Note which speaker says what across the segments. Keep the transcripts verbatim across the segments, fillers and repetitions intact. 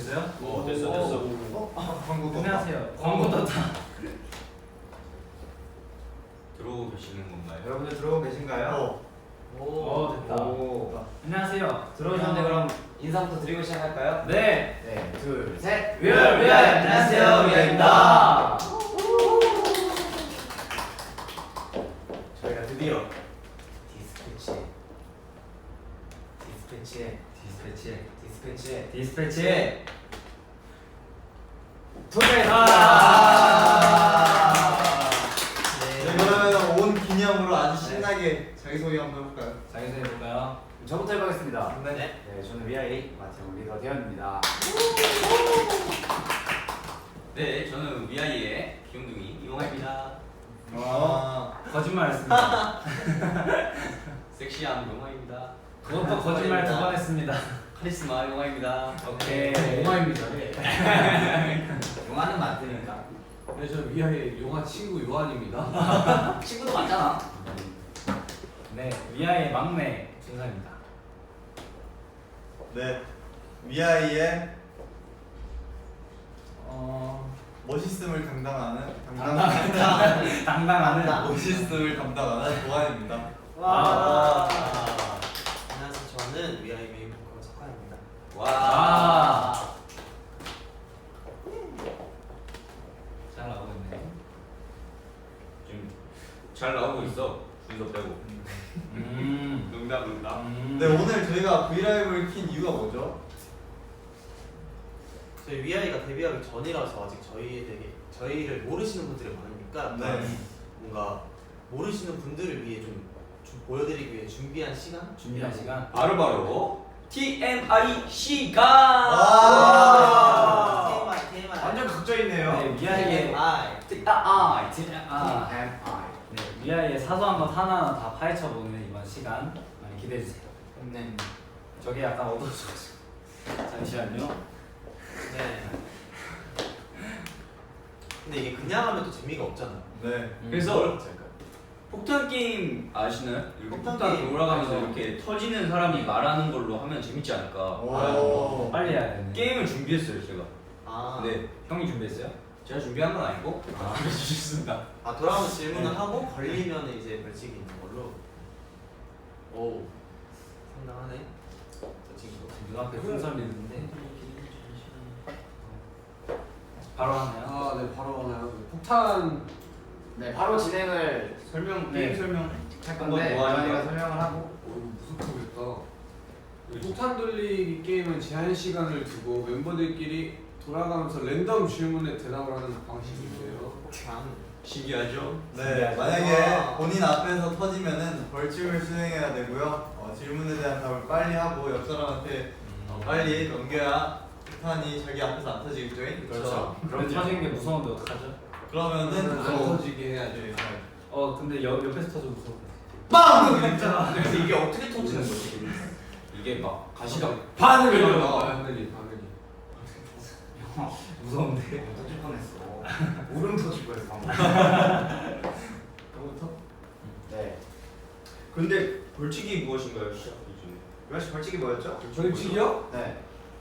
Speaker 1: 됐어요?
Speaker 2: 어 됐어 됐어.
Speaker 3: 어? 광고 떴다.
Speaker 1: 안녕하세요. 광고 떴다.
Speaker 2: 들어오고 계시는 건가요?
Speaker 4: 여러분들 들어오고 계신가요?
Speaker 3: 어.
Speaker 1: 오, 됐다.
Speaker 4: 오.
Speaker 1: 안녕하세요.
Speaker 4: 들어오셨는데 그럼 인사부터 드리고 시작할까요?
Speaker 1: 네.
Speaker 4: 네, 둘, 셋.
Speaker 1: 위아 위아 안녕하세요. 위아입니다.
Speaker 4: 저희가 드디어 디스패치 디스패치에
Speaker 1: 디스패치.
Speaker 4: 디스패치에
Speaker 1: 디스패치.
Speaker 4: 도착했습니다.
Speaker 3: 네, 그러면 온 기념으로 아주 신나게 자기소개 한번 해볼까요?
Speaker 1: 자기소개 해볼까요?
Speaker 4: 저부터 해보겠습니다.
Speaker 3: 네.
Speaker 4: 네, 저는 위아이 마태형 리더 대현입니다.
Speaker 2: 네 저는 위아이의 귀염둥이 이용화입니다.
Speaker 3: 아.
Speaker 1: 거짓말했습니다.
Speaker 2: 섹시한 용화입니다.
Speaker 1: 그것도 거짓말 두 번 했습니다.
Speaker 2: 카리스마 용화입니다.
Speaker 1: 오케이.
Speaker 5: 용화입니다. 네.
Speaker 4: 용화는 맞으니까.
Speaker 5: 네, 저는 위아의 용화 친구 요한입니다.
Speaker 4: 친구도 많잖아.
Speaker 1: 네, 위아의 막내 준상입니다.
Speaker 3: 네. 위아이의
Speaker 1: 어,
Speaker 3: 멋있음을 담당하는
Speaker 1: 당당하는 당당하는
Speaker 3: 멋있음을 담당하는 도환입니다.
Speaker 1: 와.
Speaker 6: 안녕하세요. 저는 위아이 메인 보컬 석환입니다.
Speaker 2: 와.
Speaker 1: 아. 잘 나오고 있네.
Speaker 2: 지금 잘 나오고 있어. 순서 빼고.
Speaker 1: 음.
Speaker 2: 농담 농담.
Speaker 1: 음.
Speaker 3: 네, 오늘 저희가 브이라이브를 킨 이유가 뭐죠?
Speaker 6: 저희 위아이가 데뷔하기 전이라서 아직 저희에 대해 저희를 모르시는 분들이 많으니까
Speaker 3: 네.
Speaker 6: 뭔가 모르시는 분들을 위해 좀, 좀 보여드리기 위해 준비한 시간?
Speaker 1: 준비한 시간.
Speaker 2: 바로 바로 티엠아이 시간.
Speaker 3: 아.
Speaker 6: TMI, TMI.
Speaker 4: 완전 각져 있네요.
Speaker 1: 네, 위아이의
Speaker 6: TMI.
Speaker 2: 티엠아이.
Speaker 1: 아,
Speaker 4: 엠아이.
Speaker 1: 네, 위아이의 사소한 것 하나하나 다 파헤쳐보는 이번 시간 많이 기대해 주세요.
Speaker 4: 네.
Speaker 1: 저게 약간 어두워져가지고. 잠시만요.
Speaker 6: 네. 근데 이게 그냥 하면 또 재미가 없잖아요.
Speaker 3: 네.
Speaker 1: 음.
Speaker 2: 그래서 폭탄 게임 아시나요? 이렇게
Speaker 6: 폭탄
Speaker 2: 폭탄
Speaker 6: 게임.
Speaker 2: 돌아가면서
Speaker 1: 어.
Speaker 2: 이렇게 터지는 사람이 말하는 걸로 하면 재밌지 않을까.
Speaker 3: 오.
Speaker 1: 빨리 해야 되네.
Speaker 2: 게임을 준비했어요 제가.
Speaker 6: 아,
Speaker 2: 네.
Speaker 1: 형이 준비했어요?
Speaker 2: 제가 준비한 건 아니고
Speaker 1: 아.
Speaker 2: 알려주셨습니다.
Speaker 6: 아 돌아오면 질문을 하고 걸리면 이제 벌칙이 있는 걸로. 오, 상당하네. 저 친구.
Speaker 1: 눈앞에 풍선 있는데 바로 하나요?
Speaker 5: 아, 네, 바로 하나요? 폭탄.
Speaker 4: 네, 바로 진행을
Speaker 2: 설명
Speaker 1: 네.
Speaker 2: 게임 설명
Speaker 4: 할
Speaker 2: 한번
Speaker 4: 건데
Speaker 2: 도와주세요.
Speaker 4: 저희가 설명을 하고
Speaker 5: 어, 무섭겠다. 폭탄 돌리기 게임은 제한 시간을 두고 멤버들끼리 돌아가면서 랜덤 질문에 대답을 하는 방식인데요.
Speaker 6: 폭탄.
Speaker 2: 신기하죠?
Speaker 3: 네,
Speaker 6: 와.
Speaker 3: 만약에 본인 앞에서 터지면은 벌칙을 수행해야 되고요. 어, 질문에 대한 답을 빨리 하고 옆 사람한테 어, 빨리 넘겨야 폭탄이 자기 앞에서 안 터지겠죠?
Speaker 1: 그렇죠. 그럼 터지는 게 무서운데 어떡하죠?
Speaker 3: 그러면은
Speaker 5: 안
Speaker 3: 또
Speaker 5: 터지게 해야죠.
Speaker 3: 네,
Speaker 1: 어 근데 옆, 옆에서 터져 무서워.
Speaker 3: 빵! 이랬잖아.
Speaker 6: 그래서 이게 어떻게 터지는 거지?
Speaker 2: 이게 막 가시가
Speaker 5: 바늘이
Speaker 1: 어.
Speaker 5: 나와. 바늘이, 바늘이.
Speaker 1: 무서운데.
Speaker 4: 터질 뻔했어. 울음 터질 뻔했어 방금.
Speaker 5: 너부터?
Speaker 4: 네.
Speaker 2: 근데 벌칙이 무엇인가요? 시작 기준에.
Speaker 4: 유아씨 벌칙이 뭐였죠?
Speaker 5: 벌칙이요?
Speaker 4: 네.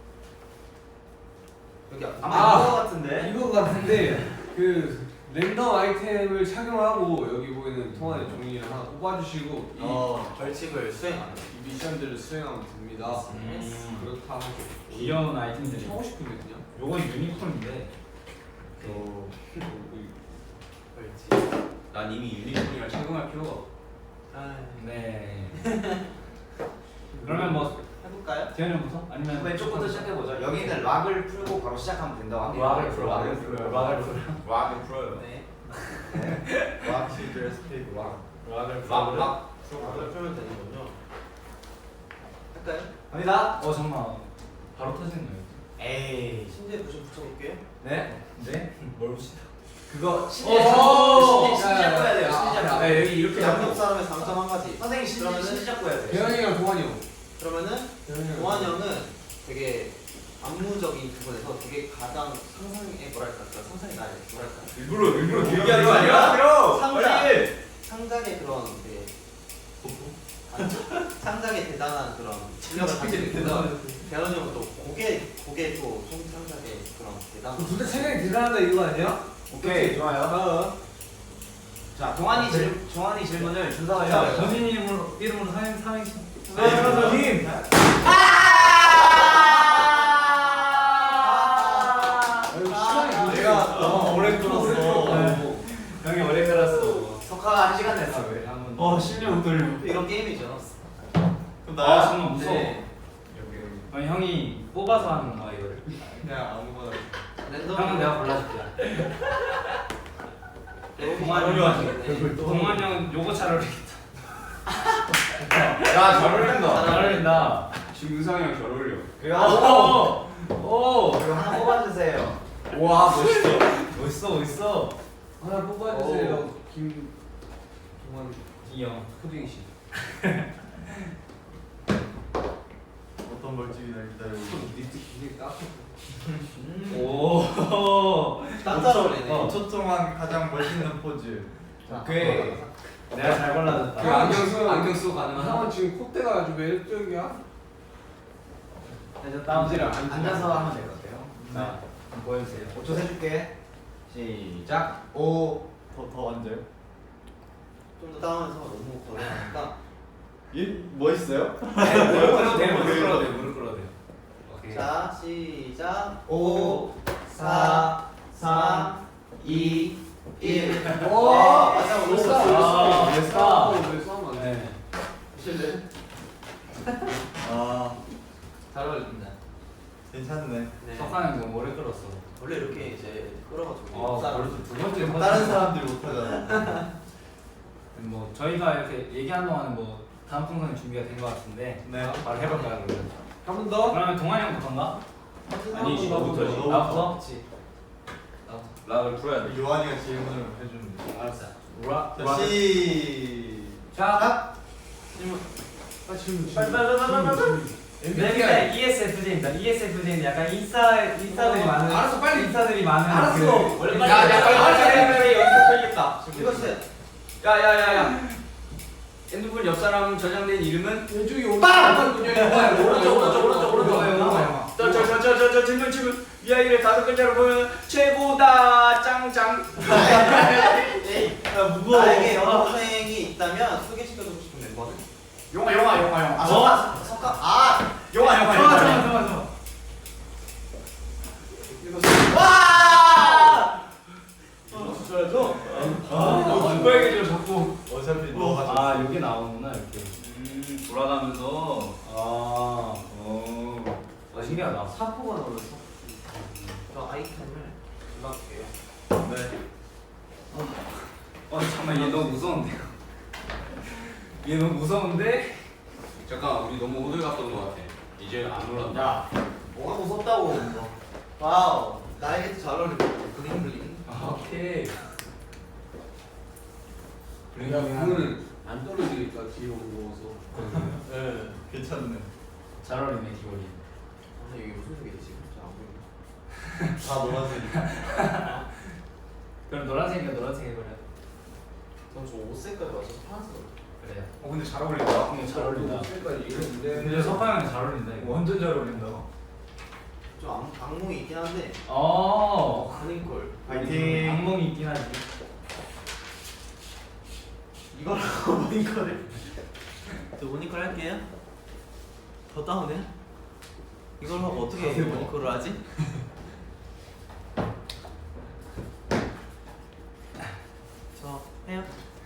Speaker 6: 여기 앞.
Speaker 4: 아마
Speaker 5: 아,
Speaker 4: 이거 같은데.
Speaker 5: 이거 같은데 그 랜덤 아이템을 착용하고 여기 보이는 통화의 종이를 하나 뽑아주시고 이,
Speaker 6: 어, 벌칙을 수행하는.
Speaker 5: 이 미션들을 수행하면 됩니다.
Speaker 1: 음.
Speaker 5: 그렇다 하죠.
Speaker 1: 귀여운 아이템들이.
Speaker 5: 하고 싶은데 그냥.
Speaker 1: 요건 유니콘인데.
Speaker 2: 어,
Speaker 6: 벌칙.
Speaker 2: 난 이미 유니콘이라 착용할 필요가 없어.
Speaker 6: 아,
Speaker 1: 네. 그러면 뭐
Speaker 6: 해볼까요?
Speaker 1: 대현이 형부터? 아니면
Speaker 4: 왼쪽부터 시작해 보죠. 여기 있는 락을 풀고 바로 시작하면 된다고 합니다.
Speaker 1: 락을 풀어. 락을 풀어요. 락을 풀어.
Speaker 2: 락을 풀어요.
Speaker 6: 네.
Speaker 3: 락, 시절, 스피드, 락.
Speaker 1: 락을
Speaker 2: 락, 락.
Speaker 6: 락을 풀면 되는군요. 할까요?
Speaker 4: 갑니다.
Speaker 1: 어 정말 바로 터지는 거예요.
Speaker 4: 에이.
Speaker 6: 심지어 부심 붙여볼게요.
Speaker 4: 네.
Speaker 1: 네? 뭘 보시다.
Speaker 4: 그거
Speaker 5: 오!
Speaker 4: 신지야 신지 신지 잡고 해야 돼요.
Speaker 5: 야,
Speaker 4: 신지
Speaker 5: 야,
Speaker 4: 잡고.
Speaker 5: 야,
Speaker 2: 여기 이렇게
Speaker 6: 양쪽 사람의 장점 한 가지.
Speaker 4: 선생님 신지
Speaker 6: 그러면은-
Speaker 4: 신지 잡고 해야 돼요.
Speaker 5: 대현이랑 동환이 형.
Speaker 6: 그러면은
Speaker 5: 대현이 형.
Speaker 6: 동환 형은 되게 안무적인 부분에서 되게 가장 상상에 뭐랄까 그 상상이 나요. 뭐랄까
Speaker 2: 일부러 일부러
Speaker 4: 길게
Speaker 2: 길게 하는 거 아니야?
Speaker 6: 상자
Speaker 2: 빨리.
Speaker 6: 상장의 그런 되게 창작에 대단한 그런 실력을 가지고 있고요. 대현이 형은 또 곡에 곡에 또 총창작에 그런 대단한.
Speaker 5: 둘다 체력이 대단하다 이거 아니야?
Speaker 4: 오케이 좋아요. 자 동환이 질 동환이 질문을 준서가
Speaker 1: 자,
Speaker 4: 해요.
Speaker 1: 전진 이름으로 이름으로 삼행 삼행시.
Speaker 3: 네,
Speaker 1: 팀.
Speaker 5: 시간이
Speaker 3: 내가 너무 오래 끌었어.
Speaker 1: 형이 오래 걸었어.
Speaker 4: 석화가 한 시간 냈어.
Speaker 1: 왜? 한번.
Speaker 3: 어 심장 못 돌려.
Speaker 6: 이런 게임이죠.
Speaker 3: 그럼
Speaker 1: 아
Speaker 3: 나야?
Speaker 1: 정말 무서워.
Speaker 6: 네.
Speaker 1: 아니 형이 뽑아서 하는 거야 이거를.
Speaker 3: 그냥 아무거나.
Speaker 6: 랜덤.
Speaker 1: 형은 내가 골라줄게. 동환
Speaker 6: 어려워
Speaker 1: 형.
Speaker 6: 하시겠네.
Speaker 1: 동환 형 요거 잘 어울리겠다.
Speaker 2: 야잘 어울린다.
Speaker 1: 잘 어울린다.
Speaker 5: 지금 은상이 형 잘 어울려.
Speaker 4: 그리고
Speaker 1: 오. 오.
Speaker 4: 그리고 하나 뽑아주세요.
Speaker 1: 와 멋있어. 멋있어 멋있어.
Speaker 5: 하나 뽑아주세요. 김 동환
Speaker 1: 이형.
Speaker 5: 푸딩 씨.
Speaker 3: 어떤 벌칙이나 기다리고.
Speaker 5: 니트 굉장히 따뜻해.
Speaker 1: 오.
Speaker 6: 딱 잘 어울리네.
Speaker 1: 어.
Speaker 3: 이 초 동안 가장 멋있는 포즈.
Speaker 1: 오케이. 내가 잘 골라줬다.
Speaker 5: 그 안경 쓰고 안경 쓰고 가능한. 형은 지금 콧대가 아주 매력적이야.
Speaker 1: 이제 다음
Speaker 5: 이제는
Speaker 1: 안
Speaker 4: 앉아서 하면 될 것 같아요.
Speaker 1: 자, 보여주세요.
Speaker 4: 오 초 세줄게. 시작.
Speaker 3: 오. 더, 더 앉아요?
Speaker 6: 좀 더 다운해서 너무 거대하니까.
Speaker 3: 이 멋있어요?
Speaker 1: 네, 무릎 꿇어도 돼, 무릎 꿇어도 돼, 무릎 꿇어도 돼. 오케이.
Speaker 6: 자 시작.
Speaker 4: 오, 사, 삼, 이, 일.
Speaker 5: 오.
Speaker 6: 아, 맞아,
Speaker 5: 왜
Speaker 6: 오늘
Speaker 5: 싸워?
Speaker 1: 아,
Speaker 5: 왜
Speaker 1: 왜
Speaker 5: 싸워?
Speaker 1: 싸워?
Speaker 5: 왜 싸우면 안 돼?
Speaker 1: 네.
Speaker 6: 실례.
Speaker 3: 아
Speaker 6: 잘 어울린다.
Speaker 3: 괜찮네.
Speaker 6: 네.
Speaker 1: 석하는 좀 오래 끌었어.
Speaker 6: 원래 이렇게 이제 끌어가지고.
Speaker 1: 어,
Speaker 6: 사람
Speaker 1: 벌써 두 번째
Speaker 3: 다른 사람들 못하잖아.
Speaker 1: 뭐 저희가 이렇게 얘기하는 동안은 뭐 다음 풍선이 준비가 된 것 같은데
Speaker 3: 네.
Speaker 1: 바로 해볼까요 그러면?
Speaker 5: 한 번 더.
Speaker 1: 그러면 동환이 형부터인가?
Speaker 2: 아니지,
Speaker 5: 너부터.
Speaker 2: 너부터지.
Speaker 1: 나부터?
Speaker 6: 그렇지.
Speaker 2: 락을 풀어야 돼.
Speaker 3: 요한이가 질문을 해주는 거.
Speaker 1: 알았어. 우라.
Speaker 3: 자 시작.
Speaker 6: 질문.
Speaker 5: 아 지금
Speaker 1: 빨리 빨리 빨리 빨리 빨리. 네, 이에스에프제입니다. 이에스에프제는 약간 인싸 인싸들이 많은.
Speaker 5: 알았어, 빨리.
Speaker 1: 인싸들이 많은.
Speaker 5: 알았어.
Speaker 1: 그-
Speaker 6: 원래
Speaker 5: 야, 야, 빨리, 빨리, 빨리, 빨리,
Speaker 2: 여기서 털겠다.
Speaker 6: 이것은
Speaker 2: 야야야야. 핸드폰 옆 사람 저장된 이름은?
Speaker 5: 왼쪽이 오른쪽. 오른쪽
Speaker 6: 오른쪽 오른쪽 오른쪽 오른쪽.
Speaker 2: 저저저저저 질문 질문. 이 아이를 다섯 글자로 보면 최고다 짱짱.
Speaker 6: 에이,
Speaker 3: 야 무거워.
Speaker 6: 나에게 여학생이 있다면 소개시켜주고 싶은 멤버는?
Speaker 2: 용아 용아 용아 용아.
Speaker 6: 아 석가 석가 아
Speaker 2: 용아 용아
Speaker 1: 잠깐만
Speaker 2: 용아.
Speaker 1: 잠깐만 잠깐만.
Speaker 6: 와!
Speaker 2: 줘야죠.
Speaker 1: 아, 안 빨개져 자꾸.
Speaker 3: 어차피 너가
Speaker 1: 아 여기 나오는구나 이렇게.
Speaker 2: 음 돌아가면서.
Speaker 1: 아.
Speaker 2: 어.
Speaker 1: 아 신기하다.
Speaker 6: 사포가 나올렸어. 저 아이템을 골라볼게요.
Speaker 3: 네.
Speaker 1: 어 잠깐만 얘 너무 무서운데요. 얘 너무 무서운데?
Speaker 5: 잠깐 우리 너무 오늘 갔던 것 같아. 이제 안 올라온다.
Speaker 6: 야, 뭐가 무섭다고? 와우, 나에게도 잘 어울리고 블링 블링.
Speaker 1: 아, 오케이.
Speaker 5: 야 그거는 안 떨어지니까 뒤에 무거워서.
Speaker 3: 네. 괜찮네.
Speaker 1: 잘 어울리네 기본이.
Speaker 6: 아 여기 무슨 색이지? 잘안 보이네.
Speaker 3: 다 노란색.
Speaker 1: 그럼 노란색이니까 노란색 해버려.
Speaker 6: 전저 옷 색깔 맞아서 파란색.
Speaker 1: 그래요.
Speaker 2: 어 근데 잘 어울린다.
Speaker 1: 근데 잘 어울린다.
Speaker 5: 색깔 이랬는데.
Speaker 1: 근데 석화 형이 잘 어울린다 이거.
Speaker 2: 완전 잘 어울린다.
Speaker 6: 좀 악, 악몽이 있긴 한데.
Speaker 1: 어.
Speaker 6: 아닌걸.
Speaker 3: 파이팅.
Speaker 1: 악몽이 있긴 하지.
Speaker 6: 이거라고 모니커를. 저 모니커를 할게요. 더 다운해? 이걸 하고 어떻게 모니커를 하지? 저 해요.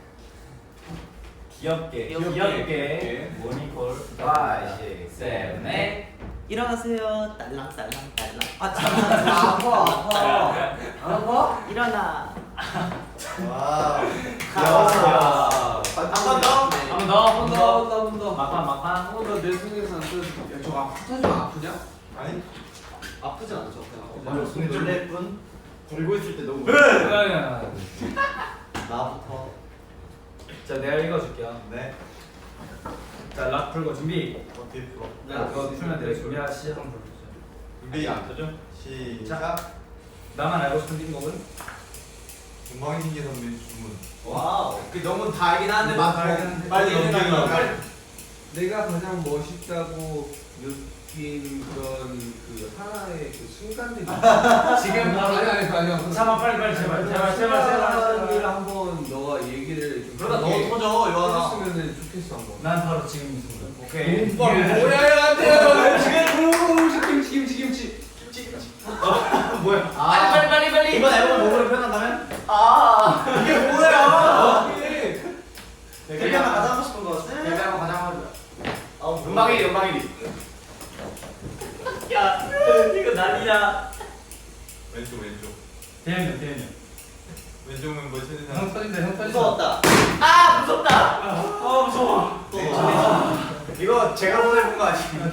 Speaker 1: 귀엽게.
Speaker 6: 귀엽게.
Speaker 1: 귀엽게. 모니콜.
Speaker 4: five, six,
Speaker 1: 세븐, 에잇.
Speaker 6: 일어나세요. 딸랑 딸랑 딸랑. 아
Speaker 5: 아,
Speaker 6: 잠깐.
Speaker 5: 아파 아파. 안 아파?
Speaker 6: 일어나.
Speaker 3: 와.
Speaker 1: 야.
Speaker 6: 한 번 더.
Speaker 1: 한 번 더.
Speaker 5: 한 번 더, 한 번 더, 한 번 더.
Speaker 1: 막판 막판.
Speaker 5: 한번더내 손에서 안 떠. 야 저거 아프지 아프냐?
Speaker 3: 아니
Speaker 6: 아프지 않죠?
Speaker 1: 맞아, 손이 좀-
Speaker 6: 놀랄 뿐.
Speaker 4: 들고 있을 때 너무.
Speaker 6: 나부터.
Speaker 1: 자 내가 읽어줄게요.
Speaker 3: 네.
Speaker 1: 자 락 풀고 준비.
Speaker 3: 어떻게 풀어?
Speaker 1: 자 그거 풀면 돼요. 준비하 시작 한번 불러주세요.
Speaker 3: 준비
Speaker 2: 안 터져?
Speaker 3: 시작.
Speaker 1: 나만 알고 싶은 띵곡은?
Speaker 3: 동방신기 선배 주문.
Speaker 6: 와우.
Speaker 4: 그 너무 다 알긴 하는데 막
Speaker 3: 빨리 넘기려고.
Speaker 5: 내가 가장 멋있다고 느낀 그런 그 하나의 그 순간들이
Speaker 1: 지금 바로
Speaker 5: 아니 아니 아니요.
Speaker 1: 잠깐 빨리 빨리 제발 제발 제발
Speaker 5: 순간을
Speaker 1: 제발.
Speaker 5: 한번 너가 얘기를 좀
Speaker 3: 그러다 너
Speaker 5: 길게
Speaker 3: 터져 요하나.
Speaker 5: 해줬으면 좋겠어 한번.
Speaker 1: 난 바로 지금 이 순간.
Speaker 3: 오케이.
Speaker 5: 뭐야 안 돼요. 김치 김치 김치 김치.
Speaker 3: 뭐야?
Speaker 6: 아, 빨리 빨리 빨리.
Speaker 2: 이번 앨범을 몸으로 표현한다면?
Speaker 6: 아.
Speaker 3: 이게 뭐야?
Speaker 2: 데뷔 하나 가장 하고 싶은 거
Speaker 6: 데뷔
Speaker 2: 같아?
Speaker 6: 한번 가장 하자.
Speaker 2: 아,
Speaker 6: 음방일이 음방일이.
Speaker 1: 야 이거 난리야.
Speaker 3: 왼쪽 왼쪽.
Speaker 1: 대현이 대현이.
Speaker 3: 왼쪽 멤버 최대한.
Speaker 1: 형 터진다 형 터진다.
Speaker 2: 무서웠다.
Speaker 6: 아 무섭다.
Speaker 1: 아 무서워.
Speaker 2: 이거 제가 보내본 거 아니에요?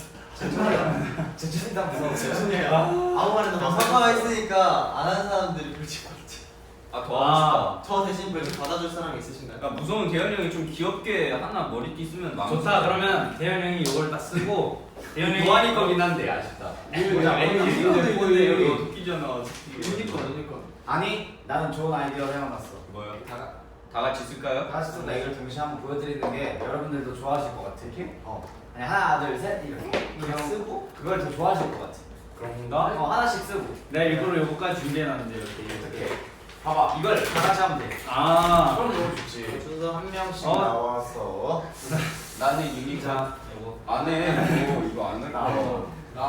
Speaker 2: 제천이 다 무서워. 제천이에요. 아무 말이나
Speaker 3: 저
Speaker 2: 막
Speaker 3: 사과가 있으니까 안 한 사람들이 불칠 것 같아.
Speaker 2: 아더
Speaker 1: 아.
Speaker 2: 저 대신 뭐 이렇게 받아줄 사람이 있으신가요?
Speaker 7: 야 무서운 대현이 형이 좀 귀엽게 하나 머리띠 쓰면 마음
Speaker 1: 좋다. 그러면 대현이 형이 이걸 딱 쓰고 대현이 형이
Speaker 7: 노안이 거긴 한데 아쉽다.
Speaker 5: 뭐야,
Speaker 7: 애기
Speaker 5: 애기
Speaker 7: 있는데
Speaker 5: 있는데
Speaker 7: 근데 여기
Speaker 5: 여기
Speaker 7: 도끼잖아.
Speaker 5: 그니까 그니까.
Speaker 4: 아니 나는 좋은 아이디어 생각났어.
Speaker 7: 뭐야?
Speaker 4: 다,
Speaker 7: 다 같이 쓸까요?
Speaker 4: 다 같이 쓴다 이걸 동시에 한번 보여드리는 게 여러분들도 좋아하실 것 같아. 어. 아니 하나 둘 셋 이렇게 그냥 쓰고 그걸 더 좋아하실 것 같아.
Speaker 1: 그런가?
Speaker 4: 어 하나씩 쓰고
Speaker 1: 내가 일부러 요거까지 준비해놨는데 이렇게
Speaker 4: 이렇게 봐봐 이걸 다 같이 하면 돼.
Speaker 1: 아.
Speaker 4: 그럼 너무 좋지.
Speaker 2: 순서 한 명씩
Speaker 1: 어.
Speaker 2: 나와서
Speaker 7: 나는 유니콘
Speaker 1: 자 요거.
Speaker 7: 안해. 뭐 이거 안 할
Speaker 4: 나
Speaker 7: 거야.
Speaker 4: 나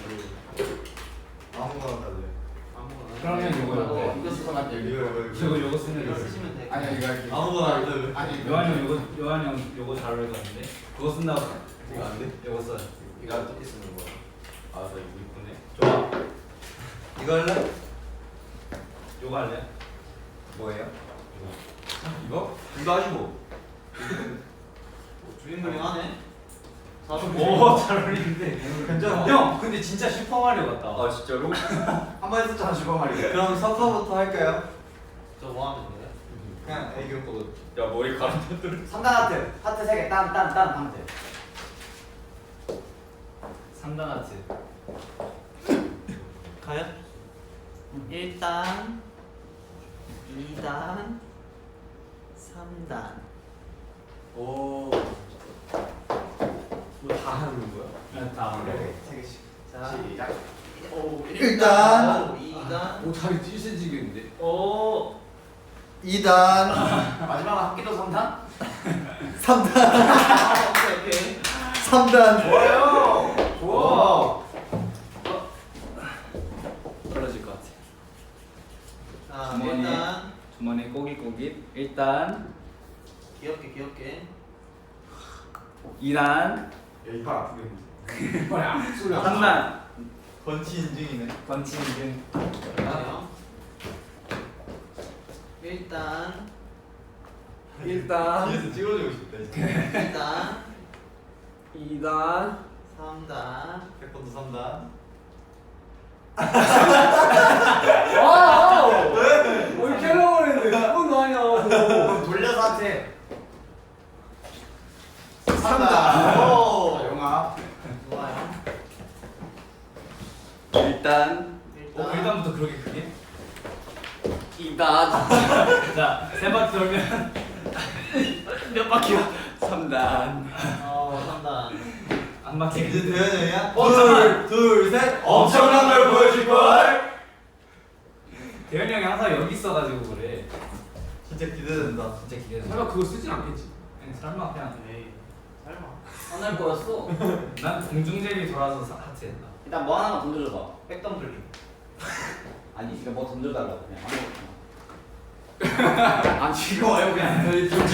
Speaker 3: 아무거나 다 돼.
Speaker 2: 아무거나.
Speaker 1: 그러면 요거
Speaker 4: 이거
Speaker 1: 이렇게.
Speaker 4: 이거 쓰고 난
Speaker 3: 이거
Speaker 4: 여기.
Speaker 3: 이거
Speaker 1: 이거
Speaker 3: 이거.
Speaker 1: 요거 쓰면
Speaker 2: 이거
Speaker 1: 이거.
Speaker 2: 쓰시면 돼.
Speaker 4: 아니야 이거 할게.
Speaker 3: 아무거나 안 돼.
Speaker 4: 아니
Speaker 1: 요한이 형 요거 요한이 형 요거 잘 어울릴 것 같은데. 그거 쓴다고.
Speaker 3: 이거 안 돼?
Speaker 1: 요거 써.
Speaker 2: 이거 어떻게 쓰는 거야?
Speaker 7: 아나 유니콘에.
Speaker 1: 좋아.
Speaker 3: 이거 할래?
Speaker 1: 요거 할래?
Speaker 7: 뭐예요? 이거? 이거 하지 뭐.
Speaker 2: 주인공이 하네. 사실
Speaker 1: 오잘 어울리는데.
Speaker 3: 괜찮아.
Speaker 1: 형 근데 진짜 슈퍼마리오 같다.
Speaker 7: 아 진짜로?
Speaker 2: 한번 했었잖아 슈퍼마리오.
Speaker 3: 그럼 서커부터 할까요?
Speaker 2: 저뭐 하면 돼요?
Speaker 3: 그냥 애교 거도.
Speaker 7: 야 머리 가르쳐들어.
Speaker 4: 삼 단 하트 하트 세 개. 딴딴딴 하면 돼.
Speaker 1: 삼 단 아트.
Speaker 2: 가요? 일 단, 이 단, 삼 단.
Speaker 3: 오.
Speaker 5: 뭐다 하는 거야?
Speaker 1: 네, 다.
Speaker 2: 세 개씩. 자,
Speaker 4: 시작.
Speaker 2: 오,
Speaker 3: 일단.
Speaker 2: 이 단.
Speaker 5: 오 다리 찢어지겠는데.
Speaker 1: 오.
Speaker 3: 이 단.
Speaker 4: 마지막 합기도 삼 단.
Speaker 3: 삼 단.
Speaker 2: 오케이, 오케이.
Speaker 3: 삼 단.
Speaker 2: 좋아요.
Speaker 1: 좋아. 떨어질 것 같아.
Speaker 2: 자,
Speaker 1: 주머니.
Speaker 2: 일단
Speaker 1: 주머니 꼬깃꼬깃. 일단
Speaker 2: 귀엽게 귀엽게.
Speaker 1: 이 단.
Speaker 5: 야이빨 아프겠는데. 이빨이 아프 소리 안
Speaker 1: 삼 단.
Speaker 3: 건치 인증이네.
Speaker 1: 건치 인증.
Speaker 2: 그래요. 일단,
Speaker 5: 일단
Speaker 3: 뒤에서 찍어주고 싶다. 진짜.
Speaker 2: 일단,
Speaker 5: 이 단.
Speaker 2: 삼 단.
Speaker 3: 태권도 삼 단.
Speaker 5: 아! 왜? 왜 이렇게 하려고 했는데 그건 거 아니야 그거.
Speaker 2: 돌려서 한테.
Speaker 3: 삼 단.
Speaker 2: 오.
Speaker 4: 자, 영아.
Speaker 2: 좋아요.
Speaker 7: 일단
Speaker 1: 어,
Speaker 2: 일단,
Speaker 1: 일단부터 그렇게 크게?
Speaker 7: 이 단.
Speaker 1: 자, 세 바퀴 돌면
Speaker 7: 몇 바퀴야? 삼 단.
Speaker 2: 어, 삼 단.
Speaker 1: 안 바퀴.
Speaker 3: 이제 대현이 형이야?
Speaker 1: 어,
Speaker 3: 둘, 둘, 셋.
Speaker 1: 엄청난 걸 보여줄 걸. 대현이 형이 항상 여기 있어가지고 그래.
Speaker 3: 진짜 기대된다.
Speaker 1: 진짜 기대돼.
Speaker 5: 설마 그거 쓰진 않겠지?
Speaker 1: 아니, 설마 그냥.
Speaker 2: 에이, 설마.
Speaker 4: 안 할 거였어.
Speaker 1: 난 공중제비 돌아서 사- 하트했다.
Speaker 4: 일단 뭐 하나만 던져줘봐.
Speaker 2: 백덤 돌림.
Speaker 4: 아니 이거 뭐 던져달라고 그냥 아무거나. 안 지겨워요 그냥.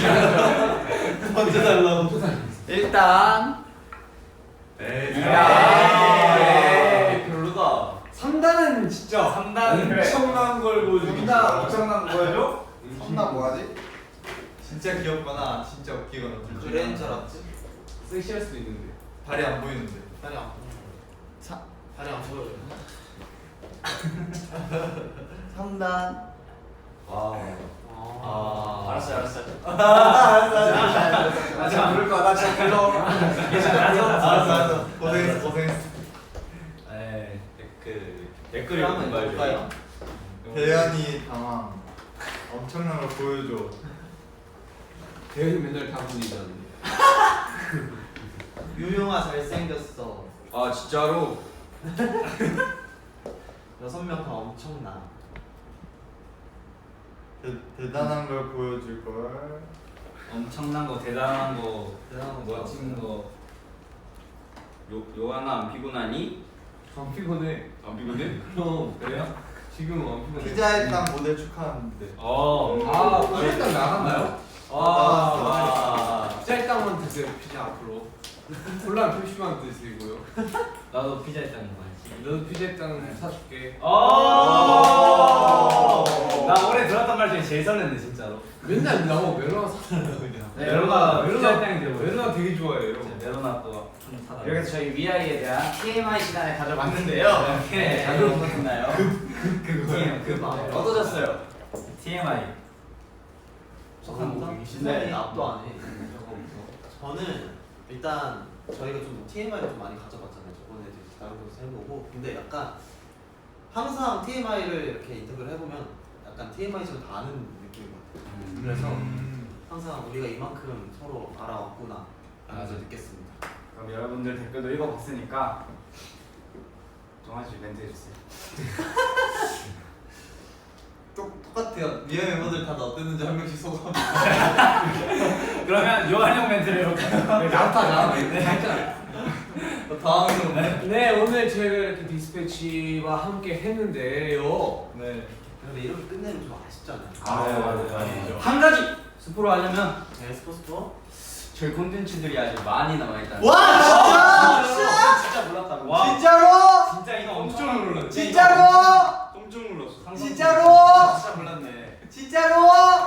Speaker 3: 던져달라고.
Speaker 7: 일단.
Speaker 3: 에이.
Speaker 7: 에이, 별로다.
Speaker 5: 삼 단은 진짜
Speaker 1: 삼 단은 그래.
Speaker 5: 엄청난 걸 보여주기.
Speaker 3: 엄청난 거 보여줘? 삼 단 뭐하지? 진짜 귀엽거나 진짜 웃기거나. 둘 중에
Speaker 2: 그랜
Speaker 3: 하나.
Speaker 2: 줄 알았지?
Speaker 5: 섹시할 수도 있는데.
Speaker 3: 발이 안 보이는데.
Speaker 2: 다리 안 보여.
Speaker 3: 사-
Speaker 2: 다리 안 보여.
Speaker 3: 삼 단. 와우.
Speaker 2: 아.
Speaker 4: 알았어요 알았어요.
Speaker 3: 나 진짜 부를 거야. 나 진짜 불러. 알았어, 알았어. 고생했어, 고생했어.
Speaker 1: 에이.
Speaker 7: 댓글
Speaker 2: 댓글
Speaker 7: 댓글
Speaker 2: 한번
Speaker 7: 읽은 거
Speaker 2: 볼까요?
Speaker 7: 알죠?
Speaker 3: 대현이 당황. 엄청난 걸 보여줘.
Speaker 5: 대현이 맨날 다 분이잖아.
Speaker 6: 유명아 잘생겼어.
Speaker 2: 아 진짜로?
Speaker 6: 여섯 명 다 엄청나.
Speaker 3: 대, 대단한 걸 보여줄 걸.
Speaker 7: 엄청난 거 대단한 거
Speaker 6: 대단한 거
Speaker 7: 멋진 거. 요 요한아 안 피곤하니?
Speaker 5: 안 피곤해.
Speaker 7: 안 피곤해?
Speaker 5: 그럼
Speaker 7: 그래요?
Speaker 5: 지금 안 피곤해.
Speaker 3: 피자의 땅 모델 축하하는데.
Speaker 1: 어.
Speaker 5: 아 피자 일단 나갔나요?
Speaker 1: 와. 와.
Speaker 5: 피자 일당만 드세요. 피자 앞으로. 콜라 표시만 드시고요.
Speaker 1: 나도 피자 있다는 거 알지?
Speaker 5: 너도 피자 일당 사줄게.
Speaker 1: 오. 나 올해 들었던 말 중에 제일 설렜네 진짜로.
Speaker 5: 맨날 나보고 멜로나 사달라고 그냥.
Speaker 4: 네,
Speaker 1: 메로나
Speaker 5: 멜로나-
Speaker 1: 피자 일당이 되고.
Speaker 5: 멜로나 되게 좋아해요.
Speaker 1: 메로나 또 좀 사다.
Speaker 4: 이렇게 해서 저희 위아이에 대한 티엠아이 시간을 가져봤는데요.
Speaker 1: 네.
Speaker 4: 잘 들어보셨나요?
Speaker 1: 그거예요. 그 말.
Speaker 4: 어떠셨어요?
Speaker 1: 티엠아이.
Speaker 6: 저는 신나게 앞도 안 해. 저는 일단 저희가 좀 티엠아이를 좀 많이 가져봤잖아요. 저번에도 이렇게 다른 곳에서 해보고. 근데 약간 항상 티엠아이를 이렇게 인터뷰를 해보면 약간 티엠아이처럼 다 아는 느낌인 것 같아요. 그래서 항상 우리가 이만큼 서로 알아왔구나 라면서 느꼈습니다.
Speaker 4: 그럼 여러분들 댓글도 읽어봤으니까 정한 씨 멘트 해주세요.
Speaker 3: 똑, 똑같아요. 미아 멤버들 다들 어땠는지 한 명씩 소감.
Speaker 1: 그러면 요한 형 멘트를 이렇게.
Speaker 5: 나타나. 했잖아.
Speaker 3: 당황스럽네.
Speaker 5: 네 오늘 저희가 이렇게 디스패치와 함께 했는데요.
Speaker 3: 네.
Speaker 6: 근데 이렇게 끝내면 좀 아쉽잖아요.
Speaker 7: 아, 맞아요. 한 가지 스포로 하려면
Speaker 6: 네, 스포츠도
Speaker 7: 저희 콘텐츠들이 아직 많이 남아 있다.
Speaker 3: 와 진짜!
Speaker 7: 진짜 몰랐다고.
Speaker 1: 와.
Speaker 3: 진짜로?
Speaker 1: 진짜 이거
Speaker 5: 깜짝 놀랐네.
Speaker 3: 진짜로?
Speaker 7: 깜짝 놀랐어.
Speaker 3: 진짜로?
Speaker 4: 진짜 몰랐네.
Speaker 3: 진짜로?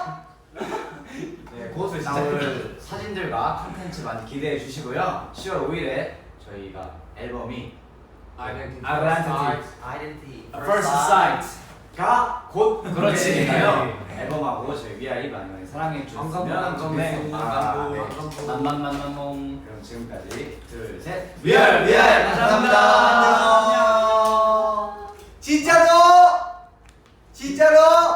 Speaker 4: 네, 그것을 진짜 오늘 사진들과 콘텐츠 많이 기대해 주시고요. 시월 오일에 저희가 앨범이
Speaker 5: 아이덴티티.
Speaker 4: Identity
Speaker 6: 아이덴티
Speaker 4: First Sight가 곧
Speaker 1: 그렇지.
Speaker 4: 공개되니까요. 앨범하고 저희 위아이 많이 많이 사랑해 주시면
Speaker 5: 안 감동,
Speaker 4: 네.
Speaker 5: 안 감동,
Speaker 4: 아,
Speaker 5: 안
Speaker 4: 네.
Speaker 5: 감동.
Speaker 7: 만만만만몽.
Speaker 4: 그럼 지금까지 둘, 셋.
Speaker 3: 위알 위알 감사합니다. 안녕. 진짜로? 진짜로?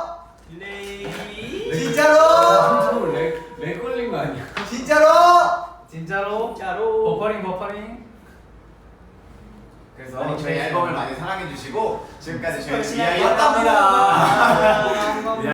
Speaker 1: 릴레이.
Speaker 3: 진짜로?
Speaker 5: 깜짝 렉, 렉 걸린 거 아니야?
Speaker 3: 진짜로?
Speaker 1: 진짜로.
Speaker 4: 진짜로.
Speaker 1: 버퍼링 버퍼링.
Speaker 4: 그래서 저희 앨범을 많이 사랑해 주시고 지금까지 저희
Speaker 6: 열심히
Speaker 4: 위아이였답니다.